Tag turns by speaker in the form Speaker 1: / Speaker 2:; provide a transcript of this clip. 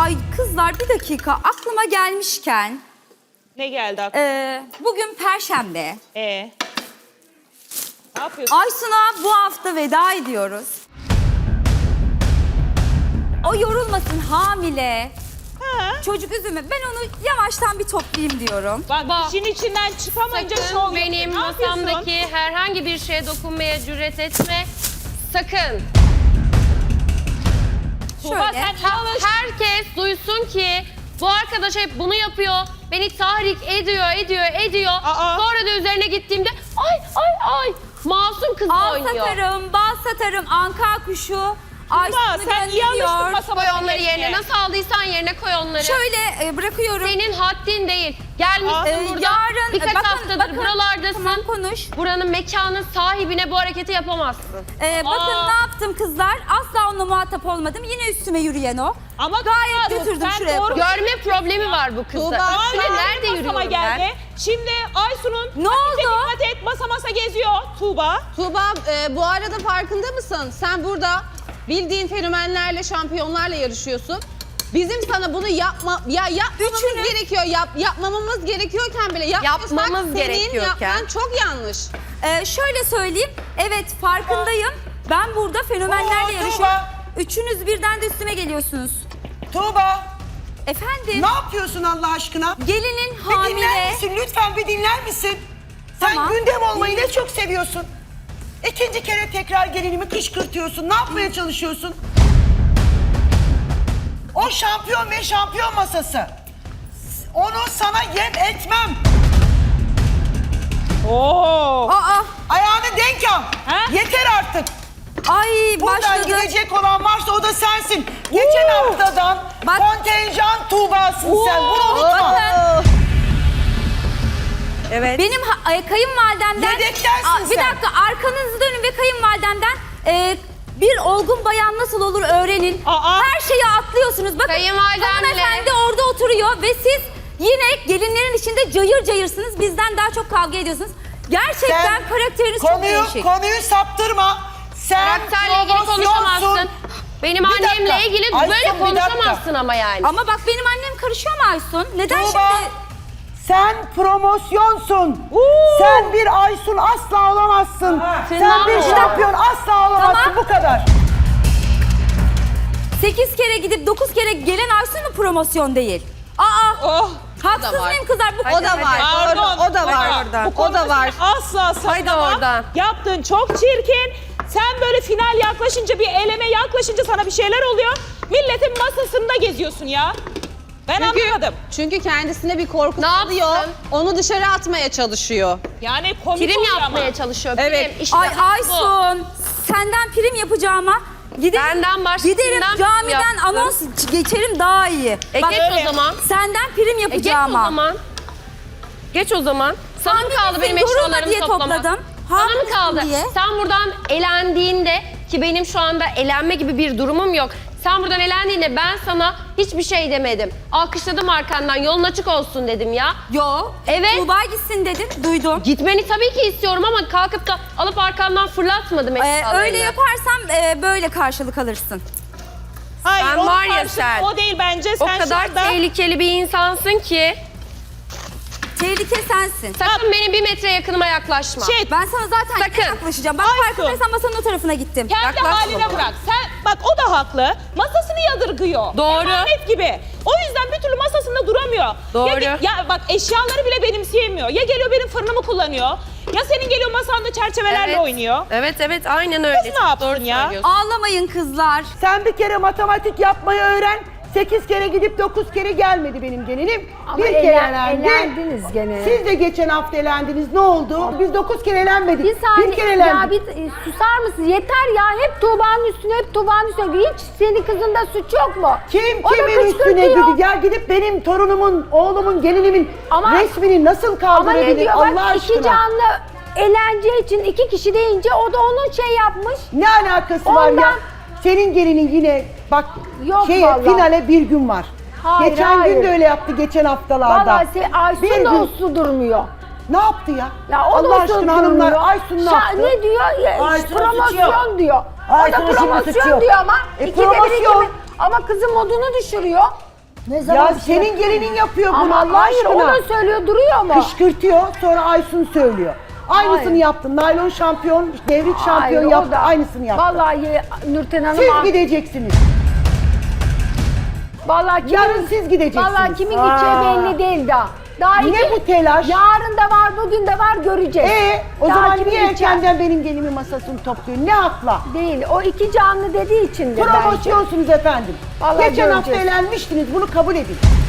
Speaker 1: Ay kızlar bir dakika aklıma gelmişken.
Speaker 2: Ne geldi aklına?
Speaker 1: Bugün Perşembe.
Speaker 2: Ne yapıyorsun?
Speaker 1: Aysun'a bu hafta veda ediyoruz. O yorulmasın hamile.
Speaker 2: Ha?
Speaker 1: Çocuk üzümü. Ben onu yavaştan bir toplayayım diyorum.
Speaker 2: Bak işin içinden çıkamayınca şov
Speaker 3: Sakın
Speaker 2: yapıyor.
Speaker 3: benim
Speaker 2: Ne yapıyorsun?
Speaker 3: masamdaki herhangi bir şeye dokunmaya cüret etme. Sakın.
Speaker 2: Tuğba
Speaker 1: Şöyle.
Speaker 2: sen çalış.
Speaker 3: Herkes duysun ki bu arkadaş hep bunu yapıyor. Beni tahrik ediyor.
Speaker 2: Aa.
Speaker 3: Sonra da üzerine gittiğimde ay masum kız
Speaker 1: Al
Speaker 3: oynuyor.
Speaker 1: satarım, bal satarım, anka kuşu. Aysun'u
Speaker 2: Sen iyi alıştın
Speaker 1: gönderiyor.
Speaker 2: masama.
Speaker 3: Koy onları yerine. Nasıl aldıysan yerine koy onları.
Speaker 1: Şöyle bırakıyorum.
Speaker 3: Senin haddin değil. Gelmişsin burada.
Speaker 1: Yarın
Speaker 3: Birkaç
Speaker 1: bakın,
Speaker 3: haftadır buralardasın.
Speaker 1: Tamam konuş.
Speaker 3: Buranın mekanın sahibine bu hareketi yapamazsın.
Speaker 1: Bakın ne yaptım kızlar. Asla onunla muhatap olmadım. Yine üstüme yürüyen o.
Speaker 2: Ama
Speaker 1: Gayet
Speaker 2: Tuğba,
Speaker 1: götürdüm
Speaker 2: sen
Speaker 1: şuraya.
Speaker 2: doğru-
Speaker 3: Görme problemi var bu kızda.
Speaker 2: Tuğba,
Speaker 3: Üstüne
Speaker 2: sen
Speaker 3: nerede
Speaker 2: masama
Speaker 3: yürüyorum
Speaker 2: geldi.
Speaker 3: ben?
Speaker 2: Şimdi Aysun'un
Speaker 1: Ne oldu?
Speaker 2: dikkat et masa geziyor Tuğba.
Speaker 4: Tuğba bu arada farkında mısın? Sen burada bildiğin fenomenlerle, şampiyonlarla yarışıyorsun. Bizim sana bunu yapmamamız
Speaker 1: Üçünü-
Speaker 4: gerekiyor. Yapmamamız gerekiyorken bile yapmamız
Speaker 3: Yapmamız
Speaker 4: senin
Speaker 3: gerekiyorken.
Speaker 4: yapman çok yanlış.
Speaker 1: Şöyle söyleyeyim. Evet farkındayım. Ben burada fenomenlerle
Speaker 5: Oo,
Speaker 1: yarışıyorum.
Speaker 5: Tuğba.
Speaker 1: Üçünüz birden de üstüme geliyorsunuz.
Speaker 5: Tuğba,
Speaker 1: Efendim?
Speaker 5: ne yapıyorsun Allah aşkına?
Speaker 1: Gelinin
Speaker 5: Bir dinler
Speaker 1: hamile.
Speaker 5: misin? Lütfen bir dinler misin? Sen
Speaker 1: Tamam.
Speaker 5: gündem olmayı ne çok seviyorsun. İkinci kere tekrar gelinimi kışkırtıyorsun. Ne yapmaya çalışıyorsun? O şampiyon ve şampiyon masası. Onu sana yem etmem.
Speaker 2: Oo.
Speaker 1: Aa,
Speaker 5: Ayağını denk al.
Speaker 2: Ha?
Speaker 5: Yeter artık.
Speaker 1: ay
Speaker 5: Buradan
Speaker 1: başladı.
Speaker 5: gidecek olan varsa o da sensin. Geçen haftadan
Speaker 1: Bak.
Speaker 5: kontenjan Tuğba'sın sen. Bunu unutma.
Speaker 1: Bakın.
Speaker 5: Evet.
Speaker 1: Benim kayınvalidemden...
Speaker 5: Yedektensin
Speaker 1: Bir
Speaker 5: sen.
Speaker 1: dakika arkanızı dönün ve kayınvalidemden bir olgun bayan nasıl olur öğrenin.
Speaker 2: Aa.
Speaker 1: Her şeyi atlıyorsunuz. Bakın
Speaker 3: Kayınvalidemle-
Speaker 1: hanımefendi orada oturuyor ve siz yine gelinlerin içinde cayır cayırsınız. Bizden daha çok kavga ediyorsunuz. Gerçekten karakteriniz çok değişik.
Speaker 5: Konuyu saptırma. Sen
Speaker 3: Karakterle ilgili
Speaker 5: promosyonsun.
Speaker 3: konuşamazsın. Benim
Speaker 5: Bir dakika.
Speaker 3: annemle ilgili
Speaker 5: Aysun,
Speaker 3: böyle
Speaker 5: bir dakika.
Speaker 3: konuşamazsın ama yani.
Speaker 1: Ama bak benim annem karışıyor mu Aysun? Neden
Speaker 5: Tuğba,
Speaker 1: şimdi...
Speaker 5: sen promosyonsun. Sen bir Aysun asla olamazsın. Sen bir şampiyon asla olamazsın.
Speaker 1: Tamam.
Speaker 5: Bu kadar.
Speaker 1: 8 kere gidip 9 kere gelen Aysun mu promosyon değil? Aa!
Speaker 2: Oh.
Speaker 1: Haksız mıyım kızlar? Bu
Speaker 4: O da var.
Speaker 2: Pardon.
Speaker 4: O da var.
Speaker 2: Bu
Speaker 4: O da var.
Speaker 2: Asla
Speaker 3: Haydi
Speaker 2: savunamam.
Speaker 3: oradan.
Speaker 2: Yaptığın çok çirkin. Sen böyle final yaklaşınca, bir eleme yaklaşınca sana bir şeyler oluyor. Milletin masasında geziyorsun ya. Ben anlamadım.
Speaker 4: Çünkü kendisine bir korku
Speaker 3: Ne
Speaker 4: alıyor.
Speaker 3: yapsın?
Speaker 4: Onu dışarı atmaya çalışıyor.
Speaker 2: Yani komik
Speaker 3: Prim
Speaker 2: oluyor
Speaker 3: yapmaya
Speaker 2: ama.
Speaker 3: çalışıyor.
Speaker 4: Evet.
Speaker 3: Prim. İşte
Speaker 1: Ay
Speaker 3: bu.
Speaker 1: Aysun, senden prim yapacağıma giderim,
Speaker 3: Başka
Speaker 1: giderim
Speaker 3: kimden
Speaker 1: camiden
Speaker 3: yapsın?
Speaker 1: anons geçerim daha iyi.
Speaker 3: Geç
Speaker 2: öyle.
Speaker 3: o zaman.
Speaker 1: Senden prim
Speaker 3: Geç o
Speaker 1: yapacağıma.
Speaker 3: zaman. Geç o zaman. Sana mı kaldı benim
Speaker 1: Yorulma
Speaker 3: eşyalarımı
Speaker 1: diye
Speaker 3: toplamak?
Speaker 1: topladım.
Speaker 3: Sana mı
Speaker 1: Haklısın
Speaker 3: kaldı?
Speaker 1: diye.
Speaker 3: Sen buradan elendiğinde ki benim şu anda elenme gibi bir durumum yok. Sen buradan elendiğinde ben sana hiçbir şey demedim. Alkışladım arkandan, yolun açık olsun dedim ya.
Speaker 1: Yo,
Speaker 3: Evet.
Speaker 1: Tuğba gitsin dedin, duydum.
Speaker 3: Gitmeni tabii ki istiyorum ama kalkıp da alıp arkandan fırlatmadım eşyalarını.
Speaker 1: Öyle yaparsam böyle karşılık alırsın.
Speaker 2: Hayır,
Speaker 3: Sen
Speaker 2: onun
Speaker 3: var ya
Speaker 2: karşılığı
Speaker 3: sen.
Speaker 2: O değil bence.
Speaker 3: O
Speaker 2: Sen
Speaker 3: kadar
Speaker 2: şu anda...
Speaker 3: tehlikeli bir insansın ki
Speaker 1: Tehlike sensin.
Speaker 3: sakın benim 1 metre yakınıma yaklaşma.
Speaker 1: Ben sana zaten
Speaker 3: Sakın.
Speaker 1: yaklaşacağım. Bak
Speaker 2: Aysun.
Speaker 1: farkındaysan masanın o tarafına gittim.
Speaker 2: Kendi
Speaker 3: Yaklaşma
Speaker 2: haline
Speaker 3: bana.
Speaker 2: bırak. Sen bak o da haklı. Masasını yadırgıyor.
Speaker 3: Doğru.
Speaker 2: Emanet gibi. O yüzden bir türlü masasında duramıyor.
Speaker 3: Doğru.
Speaker 2: Ya bak eşyaları bile benimseyemiyor. Ya geliyor benim fırınımı kullanıyor. Ya senin geliyor masanda çerçevelerle oynuyor.
Speaker 3: Evet aynen öyle.
Speaker 2: Kız ne yapsın
Speaker 3: Doğru
Speaker 2: ya?
Speaker 3: söylüyorsun.
Speaker 1: Ağlamayın kızlar.
Speaker 5: Sen bir kere matematik yapmayı öğren. 8 kere gidip 9 kere gelmedi benim gelinim.
Speaker 6: Ama
Speaker 5: bir kere elendi.
Speaker 6: elendiniz gene.
Speaker 5: Siz de geçen hafta elendiniz. Ne oldu? Biz 9 kere elenmedik.
Speaker 6: Bir saniye
Speaker 5: kere
Speaker 6: ya
Speaker 5: elendik.
Speaker 6: susar mısın? Yeter ya hep Tuğba'nın üstüne hep Tuğba'nın üstüne. Hiç senin kızında suç yok mu?
Speaker 5: Kim
Speaker 6: O da
Speaker 5: kimin üstüne
Speaker 6: kışkırtıyor.
Speaker 5: gidiyor? Ya gidip benim torunumun, oğlumun, gelinimin
Speaker 6: Ama-
Speaker 5: resmini nasıl
Speaker 6: Ama
Speaker 5: kaldırabilir
Speaker 6: ne diyor
Speaker 5: Allah
Speaker 6: bak
Speaker 5: aşkına?
Speaker 6: iki canlı eğlence için 2 kişi deyince o da onun şey yapmış.
Speaker 5: Ne alakası var ya?
Speaker 6: Ondan-
Speaker 5: Senin gelinin yine bak
Speaker 6: Yok vallahi.
Speaker 5: finale bir gün var.
Speaker 6: Hayır,
Speaker 5: geçen
Speaker 6: hayır.
Speaker 5: gün de öyle yaptı geçen haftalarda.
Speaker 6: Vallahi
Speaker 5: Bir
Speaker 6: Aysun da
Speaker 5: gün-
Speaker 6: uslu durmuyor.
Speaker 5: Ne yaptı ya?
Speaker 6: Ya o da
Speaker 5: Allah
Speaker 6: uslu
Speaker 5: aşkına hanımlar
Speaker 6: durmuyor.
Speaker 5: Aysun ne yaptı?
Speaker 6: Ne diyor?
Speaker 5: Aysun'un suçu
Speaker 6: Promosyon
Speaker 5: yok.
Speaker 6: diyor. O da
Speaker 5: Aysun'un şimdi suçu
Speaker 6: promosyon
Speaker 5: yok.
Speaker 6: diyor ama
Speaker 5: E,
Speaker 6: ikide bir
Speaker 5: promosyon.
Speaker 6: ama kızın modunu düşürüyor. Ne zaman
Speaker 5: Ya
Speaker 6: bir şey
Speaker 5: senin gelinin yapıyor bunu
Speaker 6: Ama
Speaker 5: Allah
Speaker 6: hayır
Speaker 5: aşkına.
Speaker 6: o da söylüyor duruyor mu?
Speaker 5: Kışkırtıyor sonra Aysun söylüyor. Aynısını
Speaker 6: Hayır.
Speaker 5: yaptın. Naylon şampiyon, devrik şampiyon
Speaker 6: Hayır, o
Speaker 5: yaptı.
Speaker 6: da-
Speaker 5: Aynısını yaptı.
Speaker 6: Vallahi Nurten Hanım...
Speaker 5: Siz gideceksiniz.
Speaker 6: Vallahi
Speaker 5: Yarın siz gideceksiniz.
Speaker 6: Vallahi kimin gideceği belli değil daha. Daha
Speaker 5: Ne
Speaker 6: iki-
Speaker 5: bu telaş?
Speaker 6: Yarın da var, bugün de var, göreceğiz.
Speaker 5: O
Speaker 6: Daha
Speaker 5: zaman
Speaker 6: kimin
Speaker 5: niye
Speaker 6: gideceği
Speaker 5: erkenden benim gelinimin masasını topluyor? Ne hakla?
Speaker 6: Değil. O iki canlı dediği için de bence.
Speaker 5: Promosyonsunuz efendim.
Speaker 6: Vallahi
Speaker 5: Geçen hafta
Speaker 6: göreceğiz.
Speaker 5: elenmiştiniz. Bunu kabul edin.